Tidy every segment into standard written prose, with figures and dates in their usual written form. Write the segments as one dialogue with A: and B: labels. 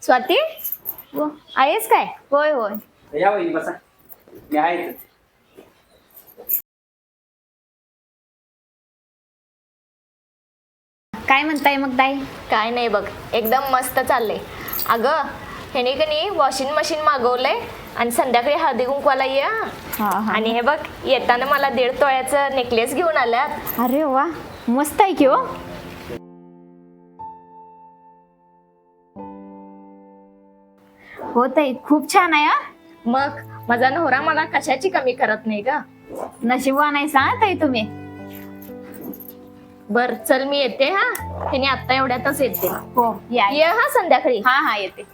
A: स्वाती आहेस काय?
B: होय होय.
C: या वहिनी बसा. मी आहे इथं.
A: काय म्हणताय मग ताई?
B: काय नाही बघ, एकदम मस्त चाललंय. अगं ह्याने कनी वॉशिंग मशीन मागवलंय आणि संध्याकाळी हळदी कुंकवाला ये हा.
A: हा.
B: आणि हे बघ येताना मला 1.5 तोळ्याचं नेकलेस घेऊन आल्यात.
A: अरे वा, मस्त आहे की हो. हो ताई, खूप छान आहे हा.
B: मग माझा नवरा मला कशाची कमी करत नाही का.
A: नशीबवान आहे सांग ताई तुम्ही.
B: बर चल मी येते हा. ह्याने आता एवढ्यातच येते.
A: हो या.
B: ये हा संध्याकाळी.
A: हा हा येते.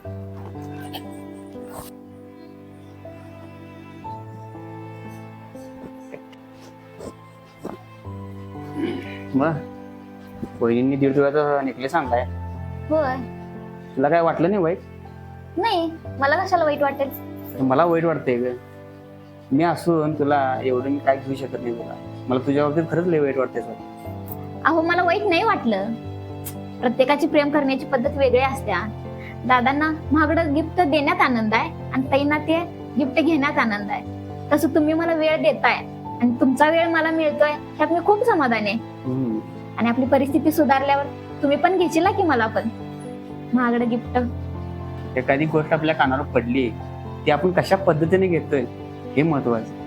C: मग वहिनींनी 1.5 तोळ्याचा नेकलेस आणलाय.
B: होय.
C: तुला काय वाटलं नाही वाईट?
B: नाही, मला कशाला वाईट वाटेल.
C: मला वाईट वाटतंय ग. मी असून तुला एवढं मी काय घेऊ शकत नाही तुला. मला तुझ्या बाबतीत खरंच लय वाईट वाटतंय सर.
A: अहो मला वाईट नाही वाटलं. प्रत्येकाची प्रेम करण्याची पद्धत वेगळी असत्या. दादांना महागडं गिफ्ट देण्यात आनंद आहे आणि ताईंना ते गिफ्ट घेण्यात आनंद आहे. तसं तुम्ही मला वेळ देताय आणि तुमचा वेळ मला मिळतोय त्यात मी खूप समाधानी आहे. आणि आपली परिस्थिती सुधारल्यावर तुम्ही पण घेशील की मला पण महागडं गिफ्ट.
C: एखादी गोष्ट आपल्या कानावर पडली ती आपण कशा पद्धतीने घेतोय हे महत्वाचं.